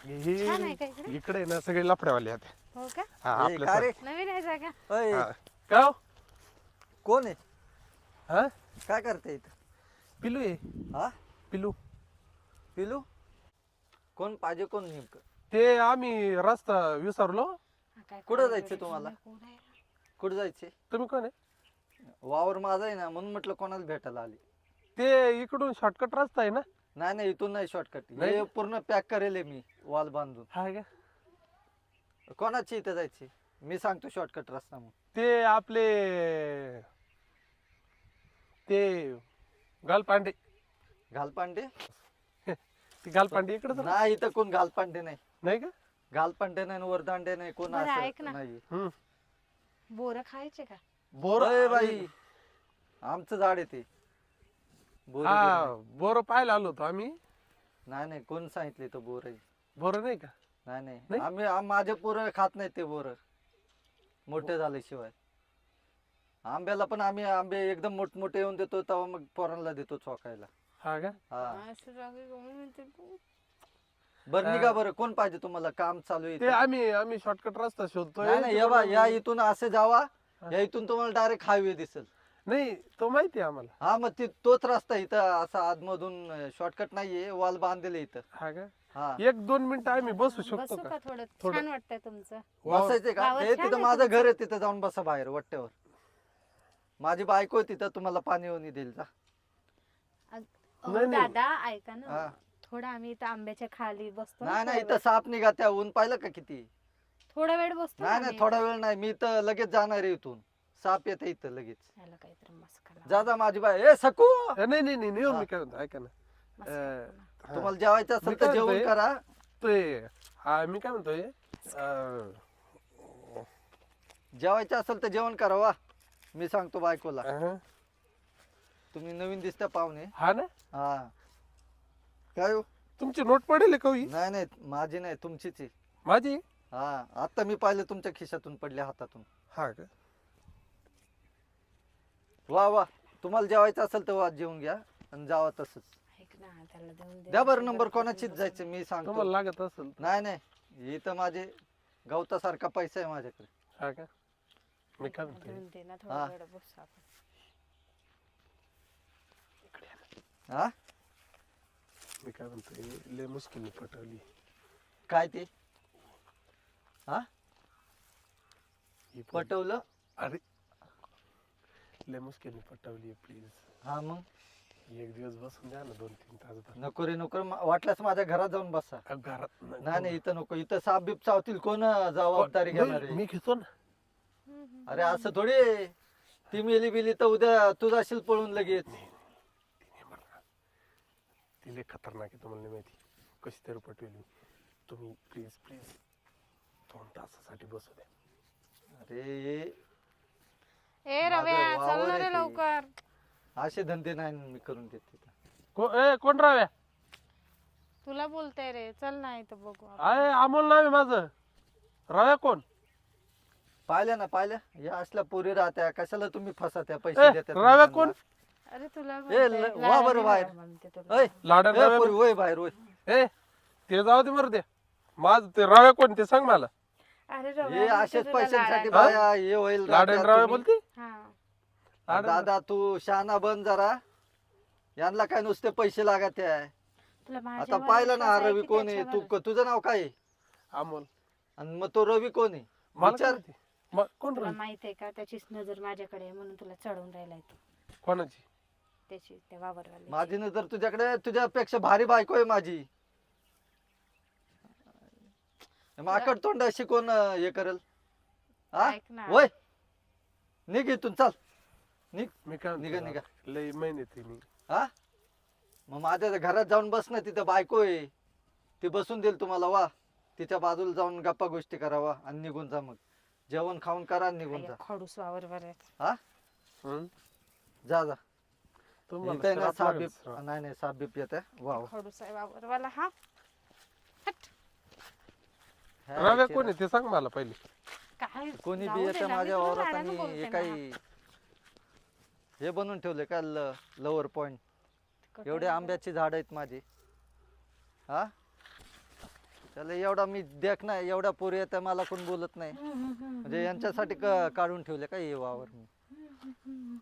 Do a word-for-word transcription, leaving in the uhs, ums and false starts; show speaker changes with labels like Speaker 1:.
Speaker 1: छान आहे का
Speaker 2: हे
Speaker 1: इकडे?
Speaker 2: इकडे ना सगळे लफड्यावाले आहेत.
Speaker 1: हो का?
Speaker 2: हा
Speaker 3: ए,
Speaker 2: आपल्या
Speaker 3: का रे?
Speaker 1: नवीन आहे जागा?
Speaker 3: अय,
Speaker 2: हा. का हो?
Speaker 3: कोण आहे?
Speaker 2: हा
Speaker 3: काय करते इथं?
Speaker 2: पिलू आहे
Speaker 3: हा
Speaker 2: पिलू.
Speaker 3: पिलू कोण पाहिजे कोण नेमकं?
Speaker 2: ते आम्ही रस्ता विसरलो.
Speaker 1: हा, काय
Speaker 3: कुठं
Speaker 1: काय
Speaker 3: जायचं
Speaker 1: वेळ
Speaker 3: तुम्हाला?
Speaker 1: कोण आहे?
Speaker 3: कुठं जायचे?
Speaker 2: तुम्ही कोण आहे?
Speaker 3: वावर माझा आहे ना म्हणून म्हटलं कोणाला भेटायला आली.
Speaker 2: ते इकडून शॉर्टकट रस्ता आहे ना.
Speaker 3: नाही नाही इथून नाही शॉर्टकट.
Speaker 2: नाही?
Speaker 3: हे पूर्ण पॅक करेल आहे मी वॉल बांधून.
Speaker 2: हा का?
Speaker 3: कोणाची इथं जायची? मी सांगतो शॉर्टकट रस्ता मग.
Speaker 2: ते आपले ते गालपांडे.
Speaker 3: घालपांडे?
Speaker 2: ती गालपांडे इकडे
Speaker 3: नाही इथं कोण घालपांडे नाही.
Speaker 2: नाही का?
Speaker 3: घालपांडे नाही आणि वरदांडे नाही कोण
Speaker 1: बरं, ऐक
Speaker 3: असं
Speaker 1: ना.
Speaker 3: नाही.
Speaker 2: हम्म.
Speaker 1: बोरं खायचे का?
Speaker 2: बोर
Speaker 3: अय बाई आमचं झाड आहे ते. बोर
Speaker 2: हा बोर पाहायला आलो होतो आम्ही.
Speaker 3: नाही नाही कोण सांगितले तो बोर आहे?
Speaker 2: बोर नाही का?
Speaker 3: नाही नाही
Speaker 2: नाही?
Speaker 3: आम्ही आम- माझे पोरं खात नाही ते बोर मोठे झाल्याशिवाय. आंब्याला पण आम्ही आंबे एकदम मोठमोठे येऊन देतो तेव्हा मग पोरांना देतो चोकायला.
Speaker 2: हा का?
Speaker 3: हा
Speaker 1: असं जागा गमून म्हणते तू.
Speaker 3: बरं निघा बरं कोण पाहिजे तुम्हाला? काम चालू आहे
Speaker 2: ते
Speaker 3: इथं.
Speaker 2: आम्ही आम्ही शॉर्टकट रस्ता शोधतोय.
Speaker 3: नाही नाही या बा या इथून असे जावा. या इथून तुम्हाला डायरेक्ट हायवे दिसेल.
Speaker 2: नाही तो माहिती आहे आम्हाला.
Speaker 3: हा मग ती तोच रस्ता आहे इथं असा आतमधून शॉर्टकट नाहीये वॉल बांधलेले इथं.
Speaker 2: हा का?
Speaker 3: हा
Speaker 2: एक दोन मिनिटं आम्ही बसू शकतो
Speaker 1: बसू
Speaker 2: का?
Speaker 1: का थोडं?
Speaker 2: थोडं.
Speaker 1: छान वाटतंय तुमचं.
Speaker 2: वाव.
Speaker 3: बसायचे का?
Speaker 1: वावर
Speaker 3: हे
Speaker 1: छान
Speaker 3: तिथं
Speaker 1: आहे
Speaker 3: माझं
Speaker 1: तुमचं.
Speaker 3: घर आहे तिथं जाऊन बसा बाहेर वट्ट्यावर. माझी बायको आहे तिथं तुम्हाला पाणी येऊन देईल जा.
Speaker 1: अहो,
Speaker 2: नाही, नाही.
Speaker 1: दादा ऐका
Speaker 3: हा.
Speaker 1: ना. थोडं आम्ही इथं आंब्याच्या खाली बसतो ना
Speaker 3: नाही नाही
Speaker 1: थोडा
Speaker 3: इथं साप निघा त्या ऊन पाहिलं का किती?
Speaker 1: वेळ. थोडा वेळ बसतो ना
Speaker 3: नाही नाही
Speaker 1: आम्ही
Speaker 3: थोडा
Speaker 1: इथं.
Speaker 3: वेळ नाही मी तर लगेच जाणार आहे इथून. साप येते इथं लगेच.
Speaker 1: याला काहीतरी मस्का लावा.
Speaker 3: जा जा माझी बाय ए सकू.
Speaker 2: अ, नाही नाही नाही नाही हो,
Speaker 3: हा.
Speaker 2: मी काय म्हणतो ऐका ना.
Speaker 1: मस्का
Speaker 2: अ,
Speaker 1: लावा.
Speaker 2: हा.
Speaker 3: तुम्हाला जेवायचं
Speaker 2: मी
Speaker 3: असेल
Speaker 2: काय
Speaker 3: तर जेवण
Speaker 2: म्हणतोय?
Speaker 3: करा.
Speaker 2: ते हा मी काय म्हणतोय अ,
Speaker 3: जेवायचं असेल तर जेवण करा वा. मी सांगतो बायकोला.
Speaker 2: अहं.
Speaker 3: तुम्ही नवीन दिसता पाहुणे.
Speaker 2: हा ना
Speaker 3: हा काय हो?
Speaker 2: तुमची नोट पडेल का ही?
Speaker 3: नाही नाही माझी नाही तुमचीच आहे.
Speaker 2: माझी?
Speaker 3: हा आता मी पाहिलं तुमच्या खिशातून पडल्या हातातून.
Speaker 2: हा का?
Speaker 3: वा वा तुम्हाला जेवायचं असेल तर वा जेवून घ्या आणि जावा तसंच.
Speaker 1: ऐक ना त्याला देऊन दे.
Speaker 3: द्या बरं नंबर कोणाचीच जायचं मी सांगतो.
Speaker 2: तुम्हाला लागत असेल तर.
Speaker 3: नाही नाही इथं माझे गवतासारखा पैसा आहे माझ्याकडे.
Speaker 2: हा का? मी काय म्हणतोय
Speaker 1: देऊन दे ना
Speaker 3: हा.
Speaker 1: थोडा वेळ बसू आपण.
Speaker 3: हा
Speaker 2: मी काय म्हणतोय लय मुश्किल पटवली
Speaker 3: काय ते? हा
Speaker 2: ही पोरगी.
Speaker 3: पटवलं?
Speaker 2: अरे लय मुश्किल पटवली प्लीज.
Speaker 3: हा मग
Speaker 2: एक दिवस बसून द्या ना दोन तीन तास बस.
Speaker 3: नको रे नको रे. मा- वाटल्यास माझ्या घरात जाऊन बसा.
Speaker 2: अ, घरात
Speaker 3: नाही नाही इथं नको. इथं साप बीप चावतील कोण जबाबदारी घेणार आहे?
Speaker 2: मी घेतो ना.
Speaker 1: हम्म, हम्म.
Speaker 3: अरे असं थोडी आहे. ती मेली बिली तर उद्या तू जाशील पळून लगेच.
Speaker 2: ती लय खतरनाक आहे तुम्हाला नाही माहिती. कशी तरी पटवली. तुम्ही प्लीज प्लीज दोन तासासाठी बसू द्या.
Speaker 3: अरे
Speaker 1: ए रव्या
Speaker 3: माझं वावर
Speaker 1: चल ना
Speaker 3: आहे
Speaker 1: रे
Speaker 3: ते.
Speaker 1: लवकर.
Speaker 3: असे धंदे नाही मी करून देत तिथं.
Speaker 2: को ए कोण राव्या?
Speaker 1: तुला बोलते रे चल ना इथं बघू आपण.
Speaker 2: आहे अमोल नाव आहे माझं. राव्या कोण?
Speaker 3: पाहिल्या ना पाहिल्या या असल्या पोरी राहत्या कशाला तुम्ही फसात्या
Speaker 2: ए,
Speaker 3: पैसे देत्या तुम्ही
Speaker 2: राव्या
Speaker 3: त्यांना?
Speaker 2: कोण?
Speaker 1: अरे तुला
Speaker 3: ए,
Speaker 1: बोलते.
Speaker 3: ल- वा
Speaker 1: लाडाने
Speaker 3: बरं बाहेर.
Speaker 1: राहा म्हणते तुला.
Speaker 3: ओय,
Speaker 2: लाडन
Speaker 3: ए,
Speaker 2: राव्या
Speaker 3: पोरी, वय बाहेर वय.
Speaker 2: ए ते जाऊ दे मरू दे. माझ ते राव्या कोण ते सांग मला.
Speaker 1: अरे
Speaker 3: हे
Speaker 1: रव्या म्हणते
Speaker 3: असेच
Speaker 1: तुला
Speaker 3: पैशांसाठी
Speaker 1: लाडाने.
Speaker 3: बाया हे होईल
Speaker 2: लाडन
Speaker 3: राहत्या
Speaker 2: राव्या
Speaker 3: तुम्ही.
Speaker 2: बोलती?
Speaker 1: हा.
Speaker 2: लाडन-
Speaker 3: दादा तू शहाणा बन जरा. यांना काय नुसते पैसे लागत आहे.
Speaker 1: तुला
Speaker 3: आता
Speaker 1: माझ्यावर
Speaker 3: पाहिलं ना हा
Speaker 1: विश्वास आहे
Speaker 3: रवी
Speaker 1: की
Speaker 3: कोण आहे?
Speaker 1: त्याच्यावर?
Speaker 3: तू तुझं नाव काय आहे?
Speaker 2: अमोल.
Speaker 3: आणि मग तो रवी कोण आहे?
Speaker 2: मला काय
Speaker 3: विचार.
Speaker 2: माहिती? म- कोण
Speaker 1: तुला
Speaker 2: राव्या?
Speaker 1: माहित आहे का त्याचीच नजर माझ्याकडे आहे म्हणून तुला चढवून राहिलाय तो.
Speaker 2: कोणाची?
Speaker 1: त्याची त्या वावरवाली.
Speaker 3: माझी नजर तुझ्याकडे तुझ्यापेक्षा भारी बायको आहे माझी. माकड तोंडाशी कोण अं, हे करेल? हा
Speaker 1: ऐक ना.
Speaker 3: वय निघ इथून चाल निघ.
Speaker 2: मी काय म्हणतो
Speaker 3: निघा, निघा.
Speaker 2: राव्या, लय महिने ती मी.
Speaker 3: हा मग माझ्या घरात जाऊन बस ना. तिथं बायको आहे ती बसून देईल तुम्हाला वा. तिच्या बाजूला जाऊन गप्पा गोष्टी करावा आणि निघून जा. मग जेवण खाऊन करा आणि निघून जा.
Speaker 1: खडूस वावरवर आहे.
Speaker 3: हा
Speaker 2: हं?
Speaker 3: जा जा.
Speaker 2: तुम्हाला
Speaker 3: इथं आहे ना
Speaker 2: श्राप
Speaker 3: साप
Speaker 2: लागेल,
Speaker 3: बीप
Speaker 2: श्राप.
Speaker 3: नाही नाही साप बीप येत आहे. वा वा.
Speaker 1: खडूस आहे वावरवाला हा.
Speaker 3: ह्या
Speaker 2: राव्या
Speaker 3: इथे
Speaker 2: कोण आहे ते सांग मला पहिले.
Speaker 1: काय
Speaker 3: कोणी
Speaker 1: जाऊ
Speaker 3: बी
Speaker 1: दे
Speaker 3: येतं
Speaker 1: ना, मी
Speaker 3: माझ्या
Speaker 1: तुला
Speaker 3: वावरात
Speaker 1: लाडाने
Speaker 3: आणि
Speaker 1: बोलते
Speaker 3: हे
Speaker 1: ना.
Speaker 3: काही हे बनवून ठेवले का लवर पॉइंट. एवढे आंब्याची झाड आहेत माझी. हा त्याला एवढा मी देख ना एवढ्या पोरी येत्या मला कोण बोलत नाही म्हणजे यांच्यासाठी क- काढून ठेवले का हे वावर मी